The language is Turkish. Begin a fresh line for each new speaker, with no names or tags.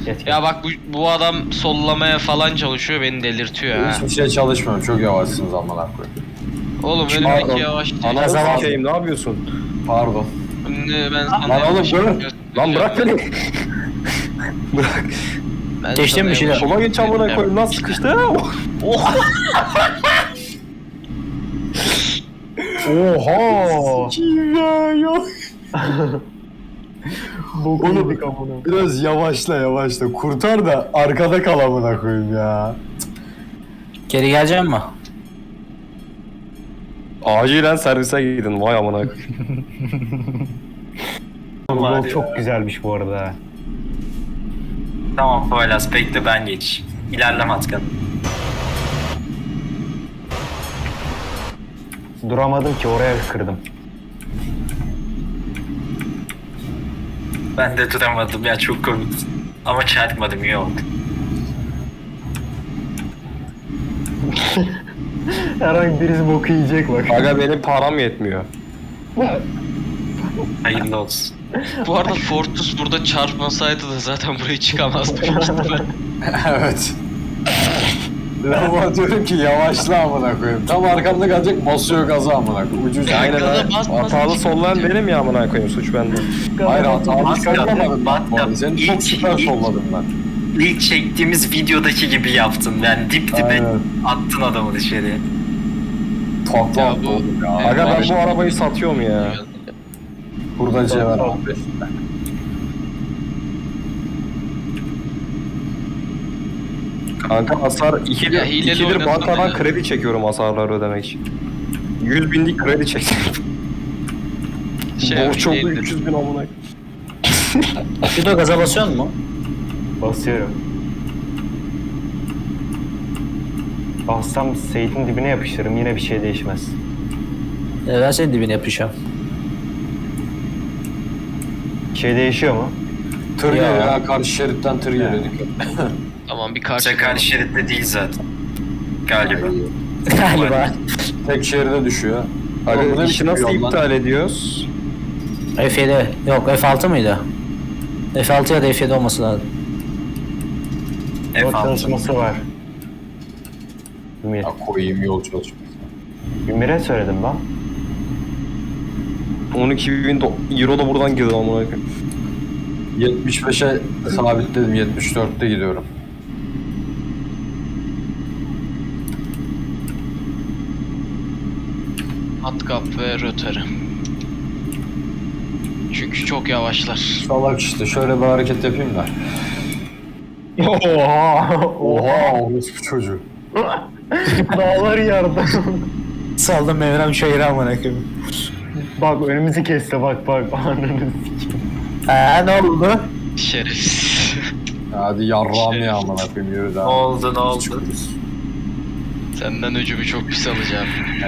Ya bak bu adam sollamaya falan çalışıyor, beni delirtiyor ha.
Hiçbir şey çalışmıyorum. Çok yavaşsınız amına koyayım.
Oğlum
Pardon.
önümdeki yavaş değil.
Anasını sikeyim, ne yapıyorsun?
Pardon.
Ben sana
Lan oğlum,
yavaş
dur.
göstereceğim.
Lan bırak beni. Bırak.
Ben
Geçtin
sana
mi şeyler?
yavaş
Sola geç amına koyayım lan, sıkıştı.
Oha.
Kim ya yok. Oğlum biraz yavaşla. Kurtar da arkada kal amına koyayım ya.
Geri gelecek mi?
Acilen servise gidin, vay amına koyayım.
Bu yol çok güzelmiş bu arada.
Tamam Poyraz, bekle ben geç. İlerleme Atkan.
Duramadım ki, oraya kırdım.
Ben de duramadım ya, çok komik. Ama çarpmadım, iyi oldu.
Herhangi birisi boku yiyecek bak.
Aga benim param yetmiyor.
Hayırlı olsun.
Bu arada Fortus burada çarpmasaydı da zaten buraya çıkamazdı.
Evet. Ama diyorum ki yavaşla amına koyayım. Tam arkamda kalacak, basıyor gaza amına koyayım. Ucuz.
Aynen
Gaza
ha.
basma,
Hatalı
hiç-
sollayan benim ya amına koyayım, suç bende.
Hayır hatalı çıkartamadım ben.
Batkap,
Seni çok süper solladım ben.
İlk çektiğimiz videodaki gibi yaptın. Yani dip dibe
Aynen.
attın adamı dışarıya.
Tatlı
Ya
attı
bu-
oğlum ya.
Aga ben bu arabayı satıyorum ya.
Burada cevher abi.
Kanka hasar
Ya,
2'dir
hileli oynasana
bankadan
ya.
kredi çekiyorum hasarları ödemek için. 100 binlik kredi çektim. Borç oldu
hileli.
300 bin amına.
Şurada gaza basıyor mu?
Basıyorum. Bassam Seyit'in dibine yapıştırırım, yine bir şey değişmez.
Ben senin dibine yapacağım.
Bir şey değişiyor mu?
Tır
Ya.
geliyor ya, karşı şeritten tır geliyor.
Tamam bir karşı.
Sakal şeritte değil zaten. Galiba.
Galiba.
Tek şeride düşüyor. Oğlum, bu
Aga
ne
işi
biçim
nasıl
yol lan?
iptal ediyoruz?
F7. Yok F6 mıydı? F6 ya da F7 olması lazım.
Yol
F6.
çalışması var. Ümit.
Ya koyayım yol çalışması.
Ümir'e söyledim lan.
12 bin euro da buradan girdi amına koyayım.
75'e sabitledim, 74'te gidiyorum.
Matkap ve rötarı. Çünkü çok yavaşlar.
Salak işte, şöyle bir hareket yapayım da.
Oha!
Oha, orospu çocuğu.
Dağlar yardım.
Saldım Mevrem şehri amına koyayım.
Bak önümüzü kesti, bak. Ananı sikeyim.
Ne oldu?
Şerefsiz.
Hadi yarrağım ya amına koyayım, yürü
Ne
daha.
oldu, ne oldu?
Çıkıyoruz.
Senden öcümü çok pis alacağım.